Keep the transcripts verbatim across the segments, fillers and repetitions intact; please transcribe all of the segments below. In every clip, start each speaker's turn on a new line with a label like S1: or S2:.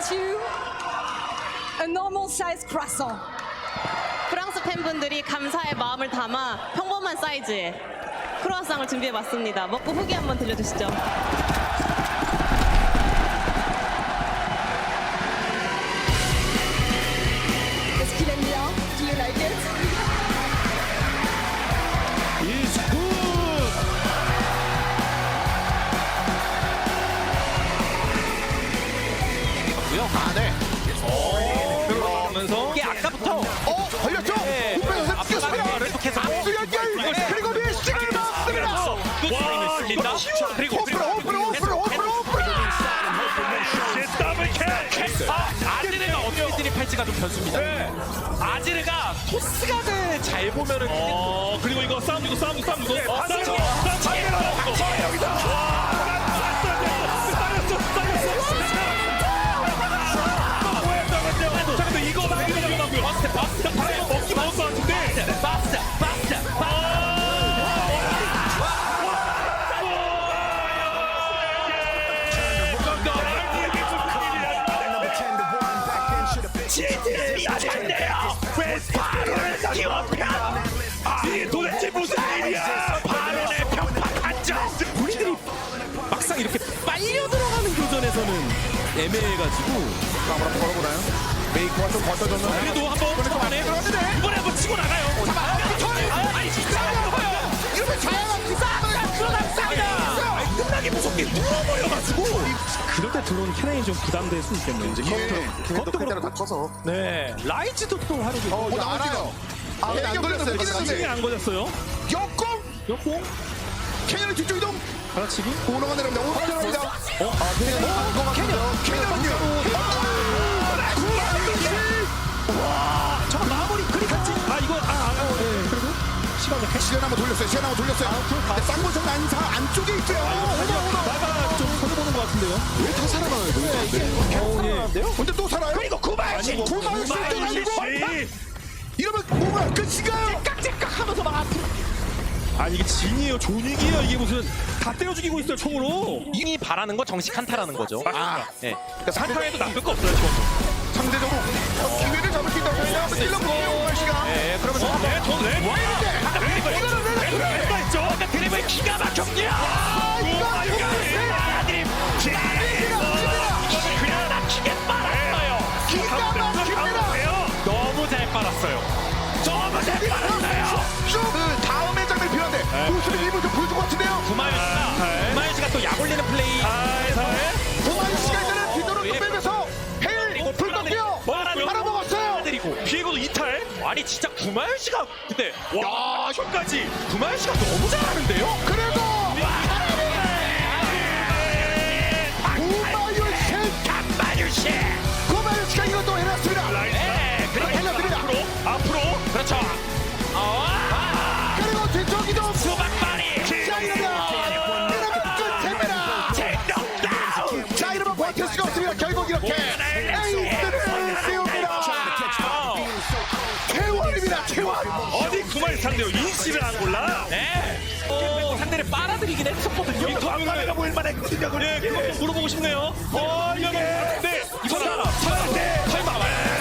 S1: present you a normal size croissant.
S2: 프랑스 팬분들이 감사의 마음을 담아 평범한 사이즈의 크루아상을 준비해봤습니다. 먹고 후기 한번 들려주시죠.
S1: Est-ce qu'il aime bien? Do you like it?
S3: It's good.
S4: 아, 네.
S3: 들어가면서
S4: 이게 아까부터
S5: 어, 걸렸죠?
S4: 네.
S5: 후배에서
S4: 앞서
S5: 뛰었습니다.
S4: 계속해서
S5: 앞수 연결. 그리고 밀식을 넣었습니다.
S4: 와,
S3: 이거
S4: 그리고
S5: 오프로, 오프로, 오프로, 오프로, 오프로.
S3: 더블 캐.
S4: 아, 아지르가 어떻게 진입할지가 좀 변수입니다.
S3: 네.
S4: 아지르가 토스각을 잘 보면은
S3: 어 그리고 이거 싸움 이거 싸움 싸움 이거 어, 싸움
S4: 반대로,
S3: 싸움
S4: 반대로.
S3: 싸움 여기서 싸였어 싸였어 자 근데 이거 나이가 위험하고요
S4: 바스트 바스트
S3: 방금 먹기 먹을 것 같은데
S4: 바스트 바스트
S3: 지들이 안돼요 왜 바론에서 기원편 이게 도대체 무슨 일이야 바론의 편파 한정
S4: 우리들이 막상 이렇게 빨려 들어가는 교전에서는 애매해가지고
S5: 한번 걸어보나요? 메이커가 좀 버텨줬는데.
S4: 그래도 한번 초반에 이번에 한번 치고 나가요. 아니 진짜
S5: 이러면 자연한
S4: 싹다 들어갔습니다. 끝나기 무섭게 뚫어버려가지고
S6: 그럴 때 들어오는 캐넨이 좀 부담될 수 있겠네요. 이제
S5: 걔네도 그대로 다 커서.
S4: 네 라이즈도 또 하루도
S5: 어, 나 알아요. 아, 근데 안 걸렸어요.
S6: 힘이
S5: 걸렸는데.
S6: 안 걸렸어요.
S5: 역공.
S6: 역공
S5: 캐년의 뒤쪽 이동.
S6: 받아치기.
S5: 오너가 내려옵니다. 오너가 내려옵니다. 어, 아, 캐년. 어, 캐년. 캐년은요.
S4: 저 마무리 그리같이
S6: 아 이거 아, 아, 아 네. 그리고 시간이 캐.
S5: 시간 한번 돌렸어요. 시간 한번 돌렸어요. 근데 쌍권성 안사 안쪽에 있어요.
S6: 나가 좀 손해보는 것 같은데요.
S5: 왜 다 살아나요?
S6: 어, 예.
S5: 근데 또 살아요?
S4: 그리고 구마유시
S5: 구마유시 또
S3: 구마유시
S5: 날리고 이러면 뭐가 끝인가요?
S4: 깍깍깍하면서 막
S6: 아 이게 진이에요, 존익이에요. 이게 무슨 다 때려 죽이고 있어요 총으로.
S4: 이미 바라는 거 정식 한타라는 거죠.
S5: 아,
S4: 네.
S3: 한타에도 나쁠 거 없어요 지금
S5: 상대적으로 어, 기회를 잡을 수 있다고 생각하면 찔러볼게요, 오마시가.
S4: 네 그러면서
S3: 네, 저 네.
S5: 와, 이런데!
S3: 드리블 드리블 했죠
S4: 아까 드리블 기가 막혔냐?
S5: 아, 이거
S4: 아드림 그냥 막히게 빨았어요.
S5: 기가 막힙니다.
S4: 너무 잘 빨았어요. 너무 잘 빨았어요.
S5: 그 다음에 장면 필요한데 모습이 입을 좀 보여줄 것 같은데요?
S4: 구마유 씨가 구마유 씨가 또 약 올리는 플레이.
S5: 오마시가 이제는 뒤도로 또 빼면서 헤일 불떴고요. 팔아먹었어요.
S4: 때리고
S3: 비에고도 이탈
S4: 아니 진짜 구마유 씨가 근데 와 저까지 구마유 씨가 너무 잘하는데요.
S5: 그래도 구마유시
S4: 간마유 씨.
S5: 구마유시가 이것도 해놨습니다.
S4: 네 그리고
S5: 해놨습니다.
S3: 앞으로 앞으로
S4: 그렇죠. 아
S5: 그리고 뒤쪽 이동.
S4: 수박바리.
S5: 자 이러면 이러면 끝입니다.
S4: tek넉다운.
S5: 자 이러면 버틸 수가 없습니다. 결국 이렇게 에이스를 띄웁니다. 태원입니다. 태원.
S3: 어디 구마유 상대로 인씨를 안 골라
S4: 네. 어, 상대를 빨아들이긴 했었거든요.
S3: 이 덤가가 뭐 일만 했거든요 네 그것도 물어보고 싶네요 어 이거 네 이거
S4: 설마 설마
S3: 네.
S4: 설마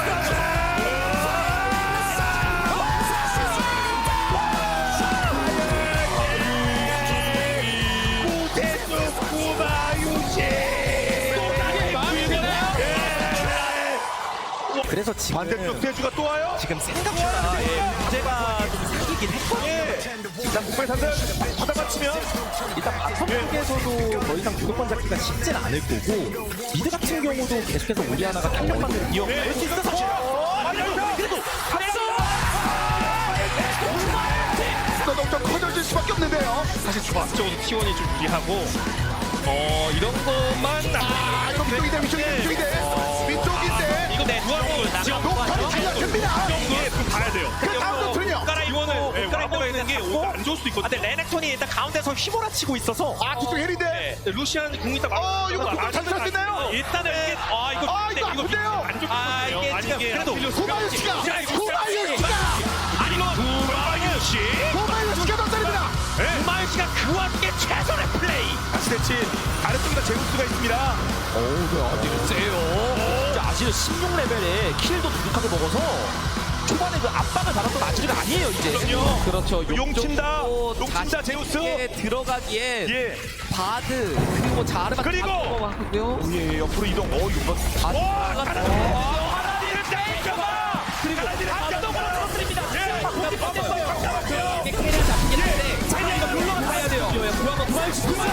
S4: 그래서 지금
S5: 반대쪽 대주가 또 와요.
S4: 지금 생각보다 예, 문제가 좀 생기긴 했거든요.
S3: 일단 국발 상대 받아 맞추면
S6: 일단 바텀 쪽에서도 더 이상 주도권 잡기가 쉽진 않을 거고 미드 같은 경우도 계속해서 오리아나가 탄력받는 이어갈 수 있어서
S4: 그래도
S5: 또 좀 커져질 수밖에 없는데요.
S3: 사실 조합적으로 티원이 좀 유리하고 어 이런 것만
S5: 아 이거 위쪽인데 위쪽인데 위쪽인데 위쪽인데
S4: 이거 내 누가 지금
S5: 녹턴이 달려듭니다.
S3: 이게 좀 봐야 돼요
S5: 그 다음 녹턴이요.
S3: 이원을 와보가 있는 게 오히려 안 좋을 수도
S4: 아,
S3: 있거든요
S4: 근데 레넥톤이 일단 가운데서 휘몰아치고 있어서
S5: 아 뒤쪽 헬인데.
S3: 네, 루시안 궁이 딱
S5: 어, 이거 궁을 잘 쓸 수 있나요?
S4: 일단은 이게 아 이거
S5: 아, 이거 아픈데요?
S3: 안 좋거든요
S4: 아, 이게
S3: 아니,
S4: 지금 그래도
S5: 구마유시가
S3: 야, 이거
S5: 구마유시가
S3: 아니 이거 구마유시
S5: 구마유시가 더 때립니다.
S4: 구마유 씨가 그 와중에 최선의 플레이.
S3: 아시대치 아래쪽에다 제우스가 있습니다
S4: 어우, 어디를 세요.
S7: 사실은 십육 레벨에 킬도 두둑하게 먹어서 초반에 그 압박을 받았던 아지르가 아니에요 이제.
S4: 그럼요.
S6: 그렇죠.
S4: 용 친다.
S6: 또
S4: 용 친다, 제우스.
S6: 자신있게 들어가기에
S4: 예.
S6: 바드 그리고 자르가
S4: 그리고!
S6: 같고요.
S4: 예, 옆으로 이동. 어, 이거.
S6: 바드
S4: 와,
S6: 들어갔다.
S4: 가라디. 가라디를 땡겨봐.
S7: 그리고
S4: 가라디를
S7: 안정으로 떨어뜨립니다.
S4: 예. 잡았어요.
S6: 이게 캐리를 잡긴 한데
S7: 자, 이거 물러가 봐야 돼요. 구하고 구할수 구할.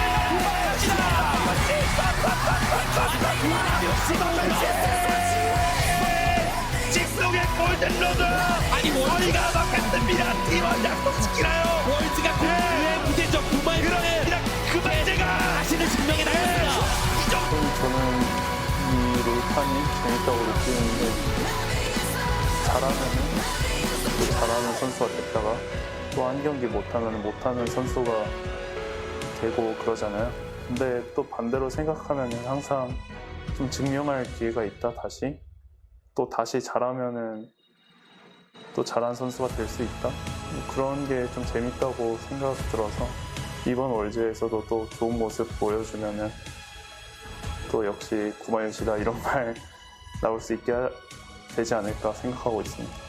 S4: 직속의 골든로드. 아니, 머리가 막혔습니다. 팀원 약속시키나요?
S7: 월즈가 그의 부재적 두발
S4: 그렇습니다. 그 문제가
S7: 자신을 증명해 나갑니다.
S8: 저는 이 롤판이 재밌다고 느끼는데 잘하면은 또 잘하는 선수가 됐다가 또 한 경기 못하면 못하는 선수가 되고 그러잖아요. 근데 또 반대로 생각하면 항상 좀 증명할 기회가 있다 다시 또 다시 잘하면은 또 잘한 선수가 될 수 있다 그런 게 좀 재밌다고 생각 들어서 이번 월즈에서도 또 좋은 모습 보여주면은 또 역시 구마유시다 이런 말 나올 수 있게 되지 않을까 생각하고 있습니다.